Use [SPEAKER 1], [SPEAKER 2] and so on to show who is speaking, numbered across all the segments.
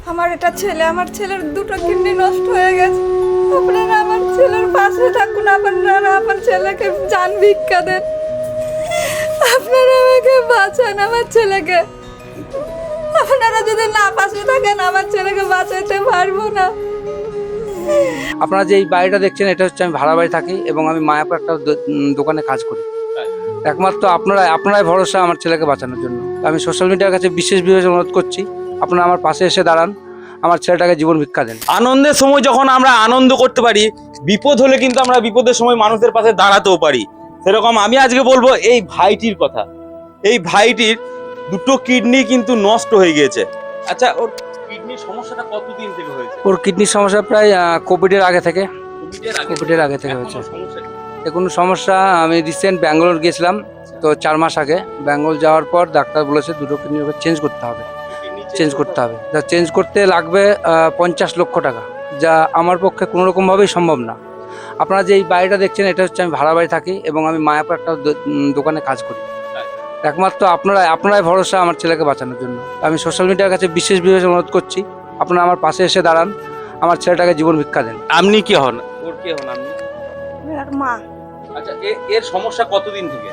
[SPEAKER 1] আমার এটা ছেলে, আমার ছেলের দুটো কিডনি নষ্ট হয়ে গেছে। আপনারা আমার ছেলের পাশে থাকুন, আপনারা আমার ছেলেকে জান ভিক্ষা দেন, আপনারা আমাকে বাঁচান আমার ছেলেকে। আপনারা যদি না পাশে থাকেন আমার ছেলেকে বাঁচাতে পারবো না।
[SPEAKER 2] আপনারা যে এই বাড়িটা দেখছেন এটা হচ্ছে আমি ভাড়া বাড়ি থাকি এবং আমি মায়াপুর একটা দোকানে কাজ করি। একমাত্র আপনারাই ভরসা আমার ছেলেকে বাঁচানোর জন্য। আমি সোশ্যাল মিডিয়ার কাছে বিশেষ অনুরোধ করছি, আপনারা আমার পাশে এসে দাঁড়ান, আমার ছেলেটাকে জীবন ভিক্ষা দেন।
[SPEAKER 3] আনন্দের সময় যখন আমরা আনন্দ করতে পারি, বিপদ হলে কিন্তু আমরা বিপদের সময় মানুষের পাশে দাঁড়াতেও পারি। সেরকম আমি আজকে বলবো এই ভাইটির কথা। এই ভাইটির দুটো কিডনি কিন্তু নষ্ট হয়ে গিয়েছে। আচ্ছা, ওর কিডনির সমস্যাটা কতদিন থেকে হয়েছে?
[SPEAKER 2] ওর কিডনির সমস্যা প্রায় কোভিডের আগে থেকে হয়েছে। কোনো সমস্যা, আমি রিসেন্ট ব্যাঙ্গালোর গিয়েছিলাম, তো 4 মাস আগে ব্যাঙ্গালোর যাওয়ার পর ডাক্তার বলেছে দুটো কিডনি চেঞ্জ করতে হবে। যা চেঞ্জ করতে লাগবে 50 লক্ষ টাকা, যা আমার পক্ষে কোনো রকমভাবেই সম্ভব না। আপনারা যে এই বাড়িটা দেখছেন এটা হচ্ছে আমি ভাড়া বাড়ি থাকি এবং আমি মায়াপুর একটা দোকানে কাজ করি। একমাত্র আপনারাই ভরসা আমার ছেলেকে বাঁচানোর জন্য। আমি সোশ্যাল মিডিয়ার কাছে বিশেষ অনুরোধ করছি, আপনারা আমার পাশে এসে দাঁড়ান, আমার ছেলেটাকে জীবন ভিক্ষা দেন।
[SPEAKER 3] আপনি কি হন? ওর কে হন আপনি?
[SPEAKER 1] আর মা।
[SPEAKER 3] আচ্ছা, এর সমস্যা কতদিন থেকে?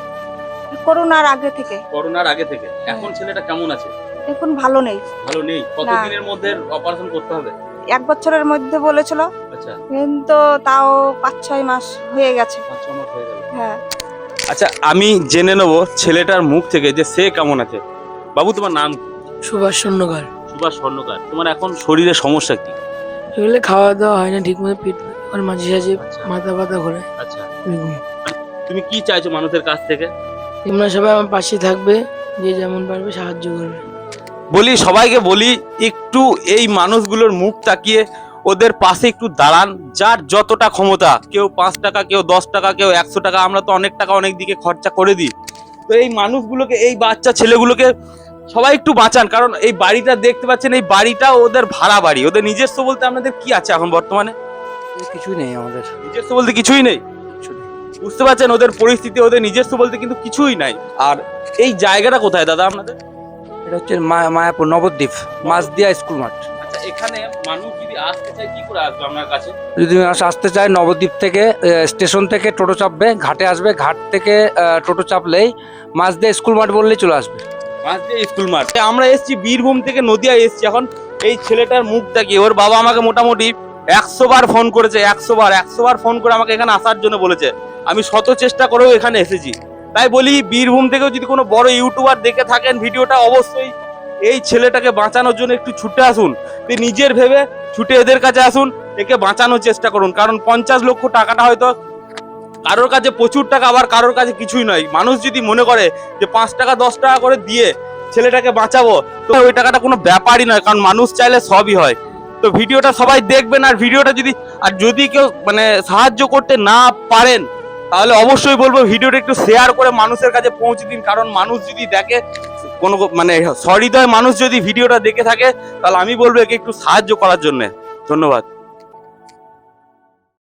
[SPEAKER 1] করোনার আগে থেকে।
[SPEAKER 3] করোনার আগে থেকে। এখন ছেলেটা কেমন আছে?
[SPEAKER 1] এখন ভালো নেই।
[SPEAKER 3] ভালো নেই? কতদিনের মধ্যে অপারেশন করতে হবে?
[SPEAKER 1] 1 বছরের মধ্যে বলেছিল,
[SPEAKER 3] আচ্ছা,
[SPEAKER 1] কিন্তু তাও 5-6 মাস হয়ে গেছে।
[SPEAKER 3] 5-6 মাস হয়ে গেল।
[SPEAKER 1] হ্যাঁ।
[SPEAKER 3] আচ্ছা, আমি জেনে নেবো ছেলেটার মুখ থেকে যে সে কেমন আছে। বাবু, তোমার নাম?
[SPEAKER 4] সুভাষ স্বর্ণকার।
[SPEAKER 3] সুভাষ স্বর্ণকার। তোমার এখন শরীরে সমস্যা কি?
[SPEAKER 4] এগুলো খাওয়া দাওয়া হয় না ঠিক মতো, পেট আর মাঝে সাঝে
[SPEAKER 3] আচ্ছা।
[SPEAKER 4] মাথা ব্যথা করে।
[SPEAKER 3] আচ্ছা,
[SPEAKER 4] এরকম।
[SPEAKER 3] তুমি কি চাইছো মানুষের কাছ থেকে?
[SPEAKER 4] তোমরা সবাই আমার পাশে থাকবে, যে যেমন পারবে সাহায্য করবে।
[SPEAKER 3] বলি, সবাইকে বলি একটু এই মানুষগুলোর মুখ তাকিয়ে ওদের পাশে একটু দাঁড়ান। যার যতটা ক্ষমতা, কেউ 5 টাকা, কেউ 10 টাকা, কেউ 100 টাকা, আমরা তো অনেক টাকা অনেক দিকে খরচা করে দিই। তো এই মানুষগুলোকে, এই বাচ্চা ছেলেগুলোকে সবাই একটু বাঁচান। কারণ এই বাড়িটা দেখতে পাচ্ছেন, এই বাড়িটা ওদের ভাড়া বাড়ি। ওদের নিজস্ব বলতে আপনাদের কি আছে এখন বর্তমানে?
[SPEAKER 2] কিছুই নেই আমাদের,
[SPEAKER 3] নিজস্ব বলতে কিছুই নেই। বুঝতে পারছেন ওদের পরিস্থিতি, ওদের নিজস্ব বলতে কিন্তু কিছুই নাই। আর এই জায়গাটা কোথায় দাদা আপনাদের?
[SPEAKER 2] এটা হচ্ছে মায়াপুর নবদ্বীপ মাঝদিয়া স্কুল মাঠ।
[SPEAKER 3] আচ্ছা, এখানে মানুষ যদি আসতে চায় কি করে আসবে আপনার কাছে?
[SPEAKER 2] যদি মানুষ আসতে চায়, নবদ্বীপ থেকে স্টেশন থেকে টোটো চাপবে, ঘাটে আসবে, ঘাট থেকে টোটো চাপলেই মাঝদিয়া স্কুল মাঠ বললেই চলে আসবে।
[SPEAKER 3] মাঝদিয়া স্কুল মাঠ। আমরা এসেছি বীরভূম থেকে, নদিয়া এসেছি। এখন এই ছেলেটার মুখ দেখি, ওর বাবা আমাকে মোটামুটি 100 বার ফোন করেছে। 100 বার ফোন করে আমাকে এখানে আসার জন্য বলেছে। আমি শত চেষ্টা করেও এখানে এসেছি। তাই বলি, বীরভূম থেকেও যদি কোনো বড় ইউটিউবার দেখে থাকেন ভিডিওটা, অবশ্যই এই ছেলেটাকে বাঁচানোর জন্য একটু ছুটে আসুন। নিজের ভেবে ছুটে এদের কাছে আসুন, একে বাঁচানোর চেষ্টা করুন। কারণ 50 লক্ষ টাকাটা হয়তো কারোর কাছে প্রচুর টাকা, আবার কারোর কাছে কিছুই নয়। মানুষ যদি মনে করে যে 5 টাকা 10 টাকা করে দিয়ে ছেলেটাকে বাঁচাবো, তো ওই টাকাটা কোনো ব্যাপারই নয়। কারণ মানুষ চাইলে সবই হয়। তো ভিডিওটা সবাই দেখবেন। আর ভিডিওটা যদি কেউ সাহায্য করতে না পারেন, তাহলে অবশ্যই বলবো ভিডিওটা একটু শেয়ার করে মানুষের কাছে পৌঁছে দিন। কারণ মানুষ যদি দেখে, কোনো সহৃদয় মানুষ যদি ভিডিওটা দেখে থাকে, তাহলে আমি বলবো একে একটু সাহায্য করার জন্য। ধন্যবাদ।